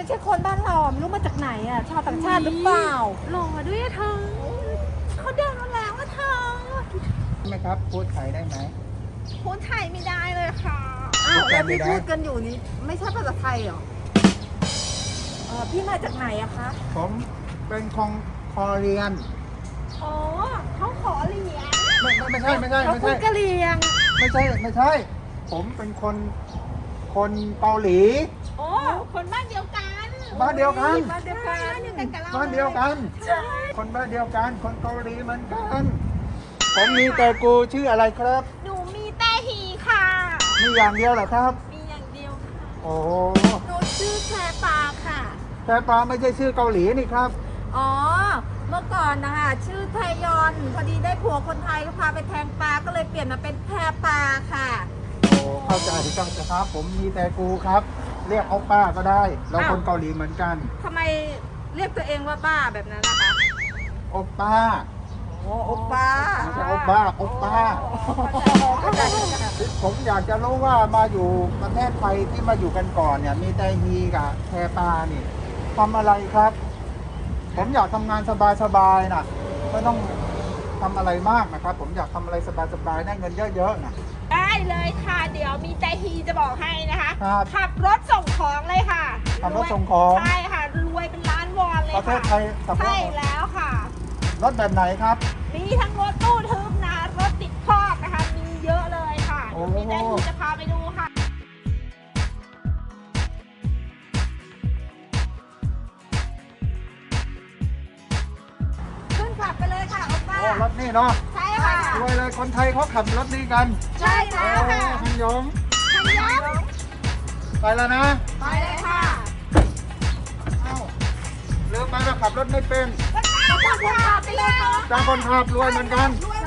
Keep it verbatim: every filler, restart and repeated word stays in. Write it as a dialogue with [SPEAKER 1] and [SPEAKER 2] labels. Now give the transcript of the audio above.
[SPEAKER 1] ใช่คนบ้านเราไม่รู้มาจากไหนอ่ะชาวต่างชาติหรือเปล่า
[SPEAKER 2] หล่อด้วยอะเธอเขาเดินมาแล้วอะเธอ
[SPEAKER 3] ใช่ไหมครับพูดไทยได้ไหม
[SPEAKER 2] พูดไทยไม่ได้เลยค่ะ
[SPEAKER 1] อ้าวแล้วที่พูดกันอยู่นี้ไม่ใช่ภาษาไทยเหรอเออพี่มาจากไหนอะคะ
[SPEAKER 3] ผมเป็นคองคอเรียน
[SPEAKER 2] อ๋อเขาขอเหรียญ
[SPEAKER 3] ไม่ไม่ไม่ใช่ไม่ใช่
[SPEAKER 1] เขา
[SPEAKER 3] ไม่
[SPEAKER 1] พู
[SPEAKER 3] ใช่
[SPEAKER 1] ดกะเหรี่ยง
[SPEAKER 3] ไม่ใช่ไม่ใช่ ผมเป็นคนคนเกาหลี
[SPEAKER 2] โอ้คนบ้านเดียวกัน
[SPEAKER 3] บ้านเดียวกัน
[SPEAKER 1] บ้านเดียวกัน
[SPEAKER 2] บ้านเดียวกันกับเรา
[SPEAKER 3] บ้านเดียวกัน
[SPEAKER 2] ใช่
[SPEAKER 3] คนบ้านเดียวกัน คนเกาหลีเหมือนกัน ผมมีแต่กูชื่ออะไรครับ
[SPEAKER 2] หนูมีแต่ฮีค่ะ
[SPEAKER 3] มีอย่างเดียวเหรอครับ
[SPEAKER 2] มีอย่างเดียวค่ะ
[SPEAKER 3] โอ้
[SPEAKER 1] หนูชื่อแพรปาค่ะ
[SPEAKER 3] แต่ปลาไม่ใช่ชื่อเกาหลีนี่ครับ
[SPEAKER 1] อ๋อ เมื่อก่อนนะคะชื่อไทยอนพอดีได้ผัวคนไทยก็พาไปแทงปลาก็เลยเปลี่ยนมาเป็นแพรปาค่ะ
[SPEAKER 3] โอ้เข้าใจเข้าใจครับ ผมมีแต่กูครับ เรียกเอาป้าก็ได้เรา
[SPEAKER 1] อ้าว
[SPEAKER 3] คนเกาหลีเหมือนกัน
[SPEAKER 1] ทำไมเรียกตัวเองว่าบ้าแบบนั้นนะคะ
[SPEAKER 3] โอป้า
[SPEAKER 1] โอ้โอป้า
[SPEAKER 3] ไม่ใช่โอป้าโอป้า ผมอยากจะรู้ว่ามาอยู่ประเทศไทยที่มาอยู่กันก่อนเนี่ย มีแต่ฮีกับแพรปานี่ทำอะไรครับ ผมอยากทำงานสบายๆนะไม่ต้องทำอะไรมากนะครับ ผมอยากทำอะไรสบายๆได้เงินเยอะๆนะ
[SPEAKER 2] ได้เลยค่ะ เดี๋ยวมีแต่ฮีจะบอกให้นะคะ
[SPEAKER 3] ครับ
[SPEAKER 2] ขับรถส่งของเลยค่ะ
[SPEAKER 3] ขับรถส่งของ
[SPEAKER 2] ใช่ค่ะ รวยเป็นล้านวอนเลย
[SPEAKER 3] ประเท
[SPEAKER 2] ค่ะ
[SPEAKER 3] ศไทยขับรถ
[SPEAKER 2] ใช่แล้วค่ะ
[SPEAKER 3] รถแบบไหนครับ
[SPEAKER 2] มีทั้งรถตู้ทึบนะรถติดคอกนะคะ มีเยอะเลยค่ะ
[SPEAKER 3] โอ้
[SPEAKER 2] มีแต่ฮีจะพาไปดูค่ะ
[SPEAKER 1] ขึ้นขับไปเลยค่ะโอป้า
[SPEAKER 3] โอ้รถนี่เนาะ
[SPEAKER 2] ใช่ค่ะ
[SPEAKER 3] รวยเลยคนไทยเขาขับรถนี้กัน
[SPEAKER 2] ใช่แล้วค่ะ
[SPEAKER 3] โอ้ฮันยง
[SPEAKER 2] ทันยับ
[SPEAKER 3] ไปแล้วนะ
[SPEAKER 2] ไปเลยค่ะ
[SPEAKER 3] เอ้าลืมไปว่าขับรถไม่เป็น
[SPEAKER 2] ก็ตามคนขับไปเลยค่ะ
[SPEAKER 3] จ้างคนขับรวยเหมือนกัน
[SPEAKER 2] รวย